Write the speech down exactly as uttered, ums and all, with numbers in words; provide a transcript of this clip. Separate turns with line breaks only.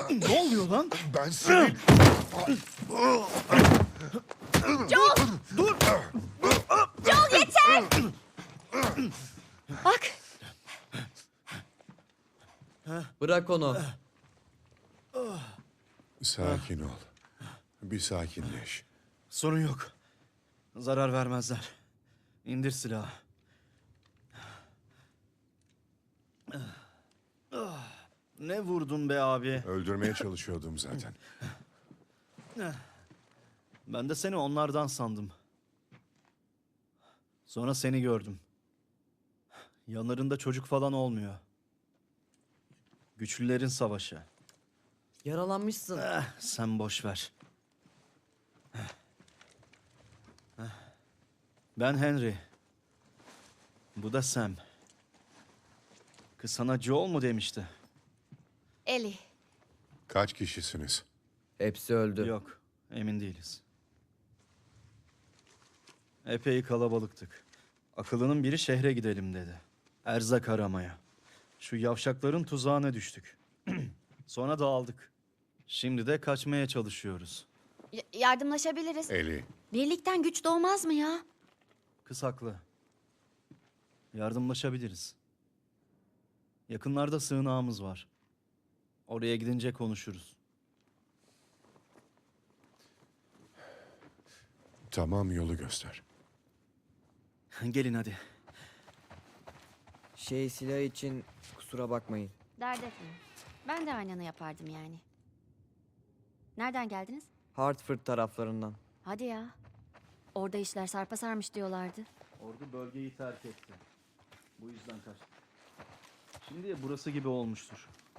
Ne oluyor lan?
Ben senin...
Joel!
Dur!
Joel yeter! Bak,
Bırak onu.
Sakin ol. Bir sakinleş.
Sorun yok. Zarar vermezler. İndir silahı. Ne vurdun be abi?
Öldürmeye çalışıyordum zaten.
Ben de seni onlardan sandım. Sonra seni gördüm. Yanlarında çocuk falan olmuyor. Güçlülerin savaşı.
Yaralanmışsın.
Eh, sen boş ver. Ben Henry. Bu da Sam. Kız sana Joel mu demişti?
Ellie.
Kaç kişisiniz?
Hepsi öldü.
Yok, emin değiliz. Epey kalabalıktık. Akıllının biri şehre gidelim dedi. Erzak aramaya. Şu yavşakların tuzağına düştük. Sonra dağıldık. Şimdi de kaçmaya çalışıyoruz.
Y- yardımlaşabiliriz.
Eli.
Birlikten güç doğmaz mı ya?
Kız haklı. Yardımlaşabiliriz. Yakınlarda sığınağımız var. Oraya gidince konuşuruz.
Tamam, yolu göster.
Gelin hadi.
Şey silah için kusura bakmayın.
Dert etme. Ben de aynını yapardım yani. Nereden geldiniz?
Hartford taraflarından.
Hadi ya. Orada işler sarpa sarmış diyorlardı.
Ordu bölgeyi terk etti. Bu yüzden kaçtı. Şimdi burası gibi olmuştur.